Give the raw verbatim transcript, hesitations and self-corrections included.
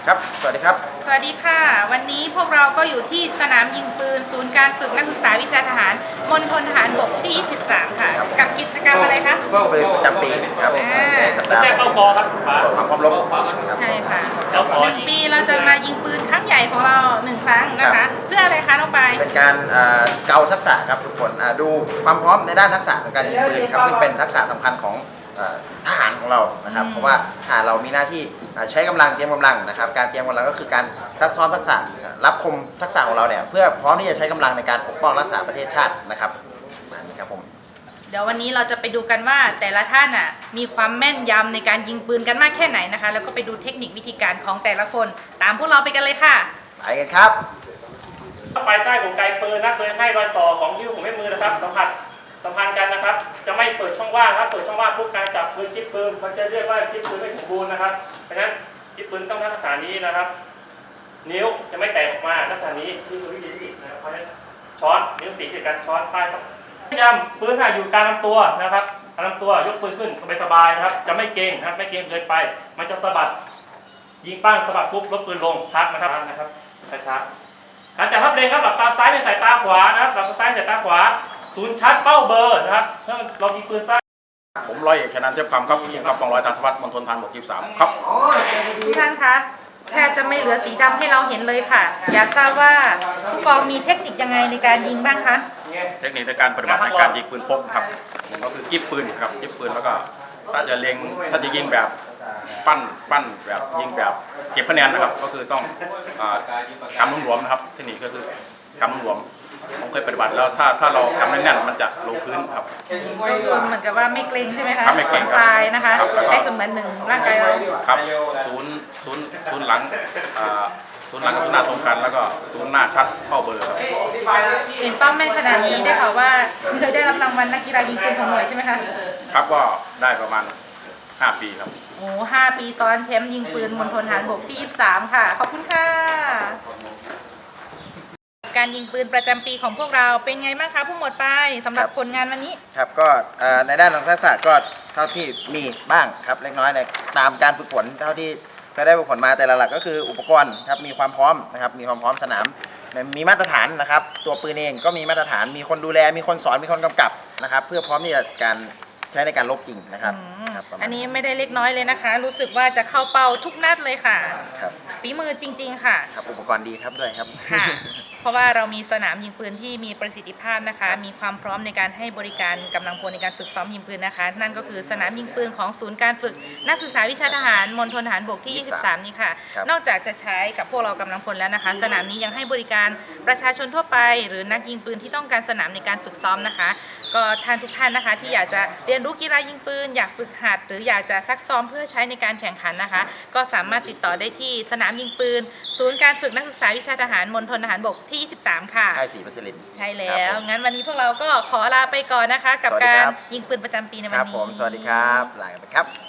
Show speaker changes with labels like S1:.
S1: ครับสวัสดีครับ
S2: สวัสดีค่ะวันนี้พวกเราก็อยู่ที่สนามยิงปืนศูนย์การฝึกนักศึกษาวิชาทหารมณฑลทหารบกที่ยี่สิบสามค่ะกับกิจกรรมอะไรคะ
S1: ก็เป็นประจำปีครับในสัปดาห์
S3: เข้าบอครับ
S1: ตรวจความพร้อมรบ
S2: ใช่ค่ะหนึ่งปีเราจะมายิงปืนครั้งใหญ่ของเราหนึ่งครั้งนะคะเพื่ออะไรคะน้องปาย
S1: เป็นการเกาทักษะครับทุกคนดูความพร้อมในด้านทักษะของการยิงปืนครับซึ่งเป็นทักษะสำคัญของทหารของเรานะครับเพราะว่าทหารเรามีหน้าที่ใช้กำลังเตรียมกำลังนะครับการเตรียมกำลังก็คือการซักซ้อมทักษะรับคมทักษะของเราเนี่ยเพื่อพร้อมที่จะใช้กำลังในการปกป้องรักษาประเทศชาตินะครับนี่ครับผม
S2: เดี๋ยววันนี้เราจะไปดูกันว่าแต่ละท่านอ่ะมีความแม่นยำในการยิงปืนกันมากแค่ไหนนะคะแล้วก็ไปดูเทคนิควิธีการของแต่ละคนตามพวกเราไปกันเลยค่ะ
S1: ไปกันครับ
S3: ไปใต้กลไกปืนนะโดยให้รอยต่อของนิ้วของแม่มือนะครับสัมผัสสัมพันธ์กันนะครับจะไม่เปิดช่องว่างครับเปิดช่องว่างปุ๊บการจับปืนจิ๊บปืนมันจะเรียกว่าจิ๊บปืนไม่สมบูรณ์นะครับเพราะฉะนั้นจิ๊บปืนต้องลักษณะนี้นะครับนิ้วจะไม่แตกออกมาลักษณะนี้ที่คือวิธีที่นะครับเพราะฉะนั้นช้อนนิ้วสีเกี่ยวกันช้อนป้ายครับย้ำปืนถ้าอยู่กลางลำตัวนะครับกลางลำตัวยกปืนขึ้นสบายๆนะครับจะไม่เกร็งนะครับไม่เกร็งเกินไปมันจะสะบัดยิงปั้งสะบัดปุ๊บลดปืนลงพักนะครับนะครับช้าๆการจับพับเลงครับหลับตาซ้ายในสายตาขวานะครับหลับตาซ้ายในสายตาขวาศูนย์ชัดเป้าเบอร์นะครับถ้าเรายิงปืนซ้าย
S4: ผมร้อยเอกชนันท์เทพคำครับกับกองร้อยตาสวัสดิ์มณฑลทหารบกยี่สิบสามครับ
S2: ทุกท่านคะแทบจะไม่เหลือสีดำให้เราเห็นเลยค่ะอยากทราบว่าผู้กองมีเทคนิคยังไงในการยิงบ้างคะ
S4: เทคนิคในการปฏิบัติในการยิงปืนพกครับผมก็คือกิ๊บปืนครับกิ๊บปืนแล้วก็ถ้าจะเล็งถ้าจะยิงแบบปั้นปั้นแบบยิงแบบเก็บคะแนนนะครับก็คือต้องกำหลวมๆนะครับเทคนิคก็คือกำหลวมผมเคยปฏิบัติแล้วถ้าถ้าเรากำแน่นๆมันจะลงพื้นครับ
S2: ก็คือเหมือนกับว่าไม่เกรงใช่ไหมคะ
S4: ไม่เกรง
S2: คลายนะคะได้เสมือนหนึ่งร่างกายเรา
S4: ครับศูนย์ศูนย์ศูนย์หลังศูนย์หลังกับศูนย์หน้าตรงกันแล้วก็ศูนย์หน้าชัดเป้าเบอร์ครับ
S2: เห็นเป้าแม่นขนาดนี้ได้ข่าวว่าเคยได้รับรางวัลนักกีฬายิงปืนของหน่วยใช่ไหมคะ
S4: ครับก็ได้ประมาณห้าปีครับ
S2: โอ้ห้าปีซ้อนแชมป์ยิงปืนมณฑลทหารบกที่ยี่สิบสามค่ะขอบคุณค่ะการยิงปืนประจำปีของพวกเราเป็นไงบ้างคะผู้หมวดปายสำหรับผลงานวันนี้
S1: ครับก็ในด้านของทักษะก็เท่าที่มีบ้างครับเล็กน้อยในตามการฝึกฝนเท่าที่เคยได้ฝึกฝนมาแต่ละหลักก็คืออุปกรณ์ครับมีความพร้อมนะครับมีความพร้อมสนามมีมาตรฐานนะครับตัวปืนเองก็มีมาตรฐานมีคนดูแลมีคนสอนมีคนกำกับนะครับเพื่อพร้อมที่จะการใช้ในการลบจริงนะครับ
S2: อันนี้ไม่ได้เล็กน้อยเลยนะคะรู้สึกว่าจะเข้าเป้าทุกนัดเลยค่ะ
S1: ครับ
S2: ฝีมือจริงๆค่ะ
S1: ครับอุปกรณ์ดีครับด้วยครับ
S2: ค่ะเพราะว่าเรามีสนามยิงปืนที่มีประสิทธิภาพนะคะมีความพร้อมในการให้บริการกำลังพลในการฝึกซ้อมยิงปืนนะคะนั่นก็คือสนามยิงปืนของศูนย์การฝึกนักศึกษาวิชาทหารมณฑลทหารบกที่ยี่สิบสามนี้ค่ะนอกจากจะใช้กับพวกเรากำลังพลแล้วนะคะสนามนี้ยังให้บริการประชาชนทั่วไปหรือนักยิงปืนที่ต้องการสนามในการฝึกซ้อมนะคะก็ท่านทุกท่านนะคะที่อยากจะเรียนรู้กีฬายิงปืนอยากฝึกหัดหรืออยากจะซักซ้อมเพื่อใช้ในการแข่งขันนะคะก็สามารถติดต่อได้ที่สนามยิงปืนศูนย์การฝึกนักศึกษาวิชาทหารมณฑลทหารบกที่ยี่สิบสามค่ะ
S1: ใช่สี่เปอร์เซ็นต์
S2: ใช่แล้วงั้นวันนี้พวกเราก็ขอลาไปก่อนนะคะกับการยิงปืนประจำปีในวันนี้
S1: ครับผมสวัสดีครับลาไปครับ